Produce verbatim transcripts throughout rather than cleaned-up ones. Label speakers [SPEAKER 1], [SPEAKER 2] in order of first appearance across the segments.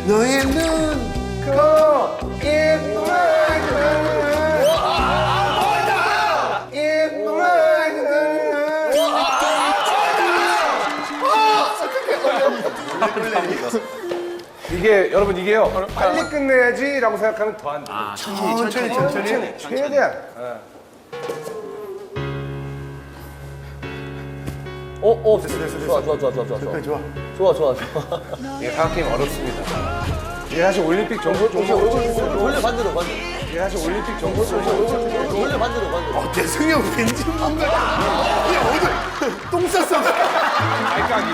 [SPEAKER 1] 너의 눈, 코, 입,
[SPEAKER 2] 이게 여러분 이게요. 빨리 끝내야지라고 생각하면 더 안 돼. 아,
[SPEAKER 1] 천천히, 천천히.
[SPEAKER 2] 최대한.
[SPEAKER 3] 어, 어, 됐어, 됐어, 됐어. 좋아, 좋아, 좋아, 좋아, 좋아.
[SPEAKER 1] 좋아.
[SPEAKER 3] 좋아, 좋아, 좋아.
[SPEAKER 2] 이게 사각 게임 어렵습니다. 이게 사실 올림픽 정보 정보
[SPEAKER 3] 돌려 반대로, 반대로.
[SPEAKER 2] 이게 사실 올림픽 정보 정보
[SPEAKER 3] 돌려 반대로, 반대로.
[SPEAKER 1] 어, 대승이 형 왠지 뭔가. 야, 어디 똥 쌌어.
[SPEAKER 2] 알까기.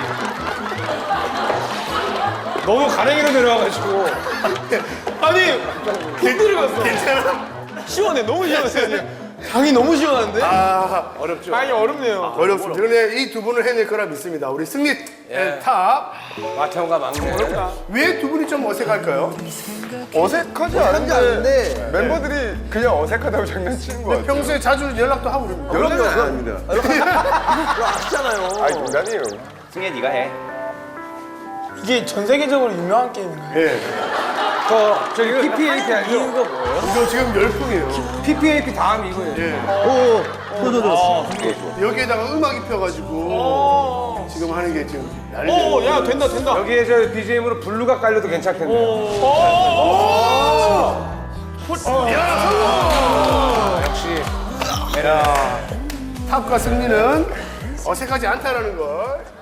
[SPEAKER 2] 너무 가랭이로 내려와가지고.
[SPEAKER 4] 아니 푹 들어갔어.
[SPEAKER 1] 괜찮아?
[SPEAKER 4] 시원해. 너무 시원해. 강이 너무 시원한데?
[SPEAKER 1] 아,
[SPEAKER 2] 어렵죠.
[SPEAKER 4] 아니 어렵네요.
[SPEAKER 1] 어렵습니다. 그런데 이 두 분을 해낼 거라 믿습니다. 우리 승리 탑.
[SPEAKER 2] 마태형과 막내.
[SPEAKER 1] 왜 두 분이 좀 어색할까요?
[SPEAKER 4] 어색하지 않은데 멤버들이 그냥 어색하다고 장난치는 거야.
[SPEAKER 1] 평소에 자주 연락도 하고 그럽니다.
[SPEAKER 4] 연락은 안 합니다.
[SPEAKER 3] 아시잖아요.
[SPEAKER 4] 아니 농담이에요.
[SPEAKER 5] 승혜 네가 해.
[SPEAKER 6] 이게 전 세계적으로 유명한 게임인가요?
[SPEAKER 1] 예.
[SPEAKER 2] 저 저기 피피에이피 알죠?
[SPEAKER 3] 이유가 뭐예요?
[SPEAKER 1] 이거 지금 열풍이에요.
[SPEAKER 2] 피피에이피 다음 이거예요.
[SPEAKER 1] 예.
[SPEAKER 3] 오,
[SPEAKER 1] 여기에다가 음악 입혀가지고 지금 하는 게 지금 난리.
[SPEAKER 4] 오, 야 된다 된다.
[SPEAKER 2] 여기에 저 비지엠으로 블루가 깔려도 괜찮겠네요. 역시
[SPEAKER 1] 탑과 승리는 어색하지 않다라는 걸